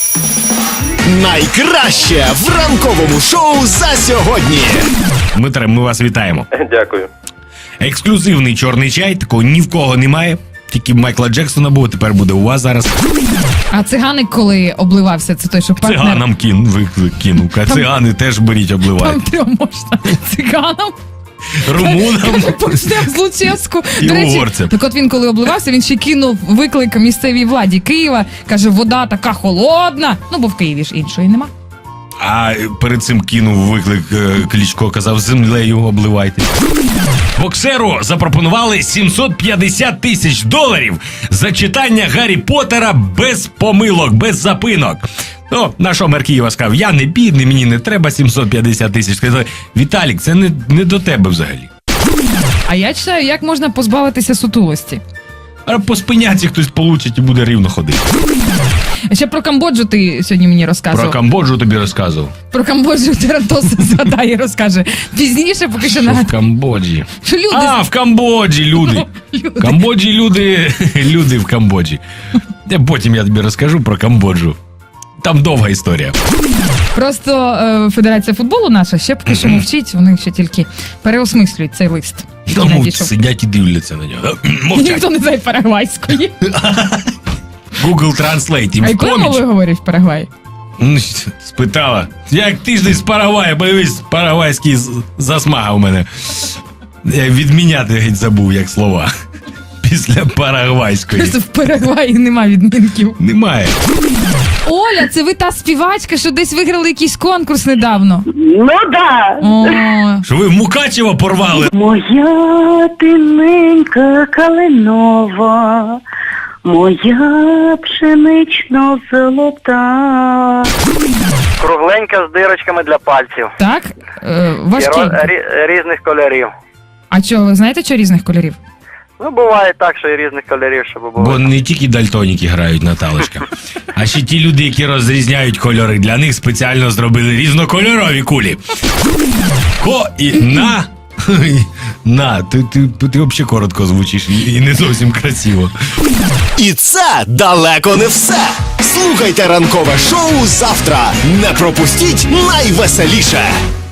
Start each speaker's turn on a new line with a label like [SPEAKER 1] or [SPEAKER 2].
[SPEAKER 1] Найкраще в ранковому шоу за сьогодні.
[SPEAKER 2] Дмитре, ми вас вітаємо.
[SPEAKER 3] Дякую.
[SPEAKER 2] Ексклюзивний чорний чай, такого ні в кого немає. Тільки Майкла Джексона був, тепер буде у вас зараз.
[SPEAKER 4] А циганик, коли обливався, це той, що партнер...
[SPEAKER 2] Циганам кинув. Цигани теж беріть,
[SPEAKER 4] Там
[SPEAKER 2] обливають.
[SPEAKER 4] трьом можна. Циганам.
[SPEAKER 2] Румунам
[SPEAKER 4] Почнемо з Лучевську.
[SPEAKER 2] і
[SPEAKER 4] До речі,
[SPEAKER 2] угорцям.
[SPEAKER 4] так от він, коли обливався, він ще кинув виклик місцевій владі Києва. Каже, вода така холодна. Ну, бо в Києві ж іншої нема.
[SPEAKER 2] А перед цим кинув виклик Кличко, казав, землею обливайте. Боксеру запропонували $750 тисяч за читання Гаррі Поттера без помилок, без запинок. Ну, наш мер Києва сказав, я не бідний, мені не треба 750 тисяч. Сказали, Віталік, це не до тебе взагалі.
[SPEAKER 4] А я читаю, як можна позбавитися сутулості.
[SPEAKER 2] А по спиняці хтось получить і буде рівно ходити.
[SPEAKER 4] А ще про Камбоджу ти сьогодні мені розказував.
[SPEAKER 2] Про Камбоджу тобі розказував.
[SPEAKER 4] Про Камбоджу Тарантос згадає і розкаже. Пізніше, поки що
[SPEAKER 2] Що в
[SPEAKER 4] нагадаю.
[SPEAKER 2] Камбоджі?
[SPEAKER 4] Що люди...
[SPEAKER 2] А, в Камбоджі люди.
[SPEAKER 4] Люди.
[SPEAKER 2] В Камбоджі люди в Камбоджі. Потім я тобі розкажу про Камбоджу. Там довга історія.
[SPEAKER 4] Просто Федерація футболу наша ще поки що мовчить, вони ще тільки переосмислюють цей лист. який
[SPEAKER 2] Тому
[SPEAKER 4] надійшов.
[SPEAKER 2] сидять і дивляться на нього. Мовчать.
[SPEAKER 4] Ніхто не знає парагвайської.
[SPEAKER 2] Google Translate їм
[SPEAKER 4] А
[SPEAKER 2] в
[SPEAKER 4] якою
[SPEAKER 2] поміч.
[SPEAKER 4] мовою говорять в Парагваї?
[SPEAKER 2] Спитала. Як тиждень з Парагвая, подивись, парагвайський засмага у мене. Я відміняти геть забув, як слова. Після парагвайської.
[SPEAKER 4] Просто в Парагваї нема відмінків.
[SPEAKER 2] Немає.
[SPEAKER 4] Оля, це ви та співачка, що десь виграли якийсь конкурс недавно.
[SPEAKER 5] Ну да.
[SPEAKER 4] О,
[SPEAKER 2] Що ви Мукачева порвали?
[SPEAKER 5] Моя тиненька калинова, моя пшенично золота.
[SPEAKER 3] Кругленька з дирочками для пальців.
[SPEAKER 4] так?
[SPEAKER 3] І
[SPEAKER 4] Важкенько.
[SPEAKER 3] різних кольорів.
[SPEAKER 4] А чого, ви знаєте, що різних кольорів?
[SPEAKER 3] Ну, буває так, що і різних кольорів, щоб було.
[SPEAKER 2] Бо не тільки дальтоніки грають, Наталочка, а ще ті люди, які розрізняють кольори. Для них спеціально зробили різнокольорові кулі. На, ти взагалі коротко звучиш і не зовсім красиво.
[SPEAKER 1] І це далеко не все. Слухайте ранкове шоу завтра. Не пропустіть найвеселіше.